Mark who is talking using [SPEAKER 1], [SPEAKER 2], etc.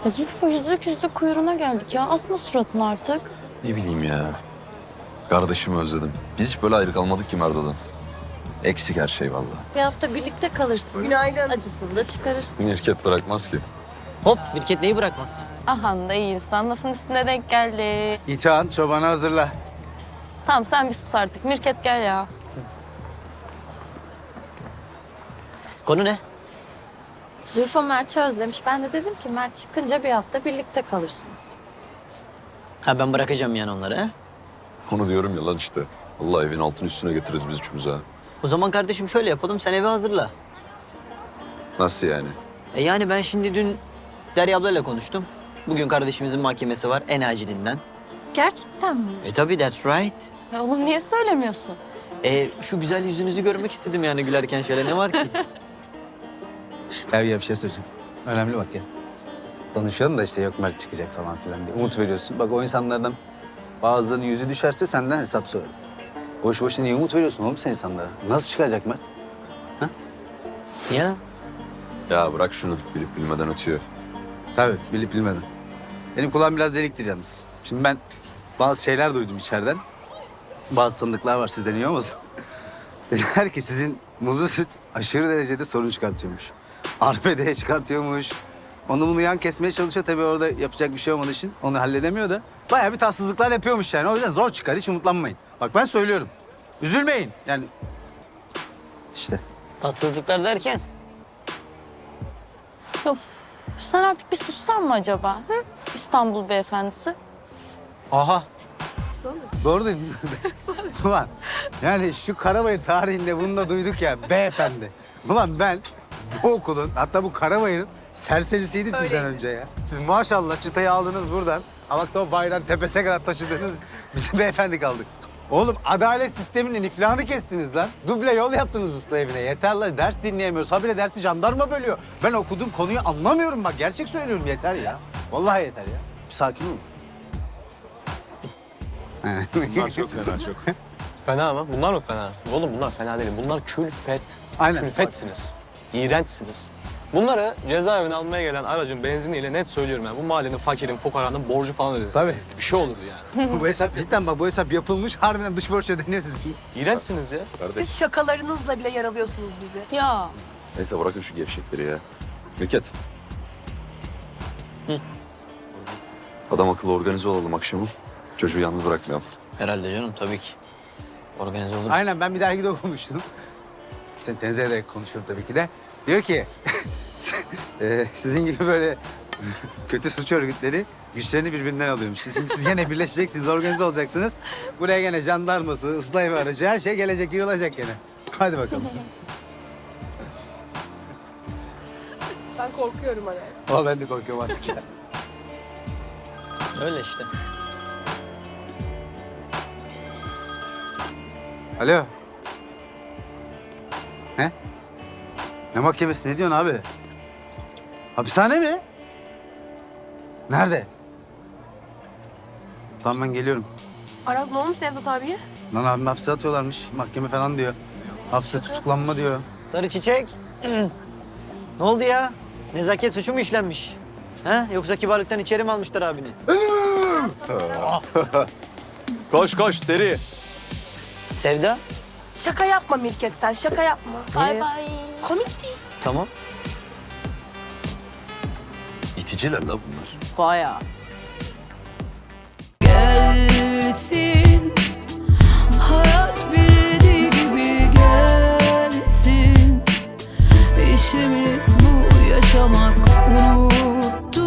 [SPEAKER 1] Zülfü yüzlük yüzlük kuyruğuna geldik ya. Asma suratını artık.
[SPEAKER 2] Ne bileyim ya. Kardeşimi özledim. Biz hiç böyle ayrı kalmadık ki Merdo'dan. Eksik her şey vallahi.
[SPEAKER 1] Bir hafta birlikte kalırsın.
[SPEAKER 3] Günaydın.
[SPEAKER 1] Acısını da çıkarırsın.
[SPEAKER 2] Mirket bırakmaz ki.
[SPEAKER 4] Hop, Mirket neyi bırakmaz?
[SPEAKER 1] Ahan da iyi insan lafın üstüne denk geldi.
[SPEAKER 5] İtihan çobanı hazırla.
[SPEAKER 1] Tamam sen bir sus artık. Mirket gel ya.
[SPEAKER 4] Konu ne?
[SPEAKER 1] Zülfü Mert'i özlemiş. Ben de dedim ki Mert çıkınca bir hafta birlikte kalırsınız.
[SPEAKER 4] Ha ben bırakacağım yani onları ha?
[SPEAKER 2] Onu diyorum ya lan işte. Allah evin altını üstüne getiririz biz üçümüz ha.
[SPEAKER 4] O zaman kardeşim şöyle yapalım, sen evi hazırla.
[SPEAKER 2] Nasıl yani?
[SPEAKER 4] Yani ben şimdi dün Derya ablayla konuştum. Bugün kardeşimizin mahkemesi var en acilinden.
[SPEAKER 1] Gerçekten mi?
[SPEAKER 4] Tabii that's right.
[SPEAKER 1] Ya oğlum niye söylemiyorsun?
[SPEAKER 4] Şu güzel yüzünüzü görmek istedim yani gülerken şöyle ne var ki?
[SPEAKER 5] Tabii bir şey söyleyeceğim. Önemli bak ya. Konuşalım da işte yok Mert çıkacak falan filan diye. Umut veriyorsun. Bak o insanlardan bazılarının yüzü düşerse senden hesap sorar. Boş boşuna niye umut veriyorsun oğlum sen insanlara? Nasıl çıkacak Mert?
[SPEAKER 4] Ya
[SPEAKER 2] Ya bırak şunu. Bilip bilmeden ötüyor.
[SPEAKER 5] Tabii bilip bilmeden. Benim kulağım biraz deliktir yalnız. Şimdi ben bazı şeyler duydum içeriden. Bazı tanıdıklar var sizden iyi olmasın. Dediler ki sizin muzlu süt aşırı derecede sorun çıkartıyormuş. Arbedeye çıkartıyormuş. Onu bunu yan kesmeye çalışıyor. Tabii orada yapacak bir şey olmadığı için onu halledemiyor da. Bayağı bir tatsızlıklar yapıyormuş yani. O yüzden zor çıkar. Hiç umutlanmayın. Bak ben söylüyorum. Üzülmeyin. Yani işte.
[SPEAKER 4] tatsızlıklar derken?
[SPEAKER 1] Of. Sen artık bir sussan mı acaba? Hı? İstanbul beyefendisi.
[SPEAKER 5] Aha. Doğru değil mi? Ulan yani şu Karabayır tarihinde bunu da duyduk ya beyefendi. Ulan ben bu okulun hatta bu Karabayır'ın serserisiydim sizden önce ya. Siz maşallah çıtayı aldınız buradan. Ama bak da o bayrağın tepesine kadar taşıdınız. Biz beyefendi kaldık. Oğlum adalet sisteminin iflahını kestiniz lan. Duble yol yaptınız ıslah evine. Yeter lan ders dinleyemiyoruz. Habire dersi jandarma bölüyor. Ben okuduğum konuyu anlamıyorum bak. Gerçek söylüyorum yeter ya. Vallahi yeter ya. Bir sakin olun.
[SPEAKER 6] Bunlar çok fena çok. Fena mı? Bunlar mı fena? Oğlum bunlar fena değil. Bunlar külfet.
[SPEAKER 5] Aynen.
[SPEAKER 6] Külfetsiniz. İğrençsiniz. Bunları cezaevine almaya gelen aracın benziniyle net söylüyorum yani. Bu mahallenin fakirin, fukaranın borcu falan ödedi.
[SPEAKER 5] Tabii.
[SPEAKER 6] Bir şey olurdu yani.
[SPEAKER 5] Bu hesap cidden bak bu hesap yapılmış. Harbiden dış borç ödeniyor sizin.
[SPEAKER 6] İğrençsiniz ya.
[SPEAKER 2] Kardeş.
[SPEAKER 3] Siz şakalarınızla bile yaralıyorsunuz bizi.
[SPEAKER 1] Ya.
[SPEAKER 2] Neyse bırakın şu gevşekleri ya. Mirket.
[SPEAKER 4] Hı.
[SPEAKER 2] Adam akıllı organize olalım akşamı. Çocuğu yalnız bırakmayalım.
[SPEAKER 4] Herhalde canım tabii ki. Organize olur.
[SPEAKER 5] Aynen ben bir dergide okumuştum. Seni tenzih ederek konuşuyorum tabii ki de. Diyor ki sizin gibi böyle kötü suç örgütleri güçlerini birbirinden alıyormuş. Şimdi siz gene birleşeceksiniz, organize olacaksınız. Buraya gene jandarması, ıslah evi aracı her şey gelecek, yığılacak gene. Hadi bakalım.
[SPEAKER 3] Ben korkuyorum hani.
[SPEAKER 5] Ama ben de korkuyorum artık ya.
[SPEAKER 4] Öyle işte.
[SPEAKER 5] Alo. Ne? Ne mahkemesi? Ne diyorsun abi? Hapishane mi? Nerede? Tamam ben geliyorum.
[SPEAKER 3] Aras ne olmuş Nevzat abiye?
[SPEAKER 5] Lan abim hapse atıyorlarmış. Mahkeme falan diyor. Hapse tutuklanma diyor.
[SPEAKER 4] Sarı çiçek. Ne oldu ya? Nezaket suçu mu işlenmiş? Ha? Yoksa kibarlıktan içeri mi almışlar abini?
[SPEAKER 6] Koş koş seri.
[SPEAKER 4] Sevda?
[SPEAKER 3] Şaka yapma Mirket sen şaka yapma.
[SPEAKER 1] Bay bay.
[SPEAKER 3] Komik değil.
[SPEAKER 4] Tamam.
[SPEAKER 2] İticiler la bunlar.
[SPEAKER 1] Bayağı.
[SPEAKER 7] Gelsin hayat bildiği gibi gelsin. İşimiz bu yaşamak unuttum.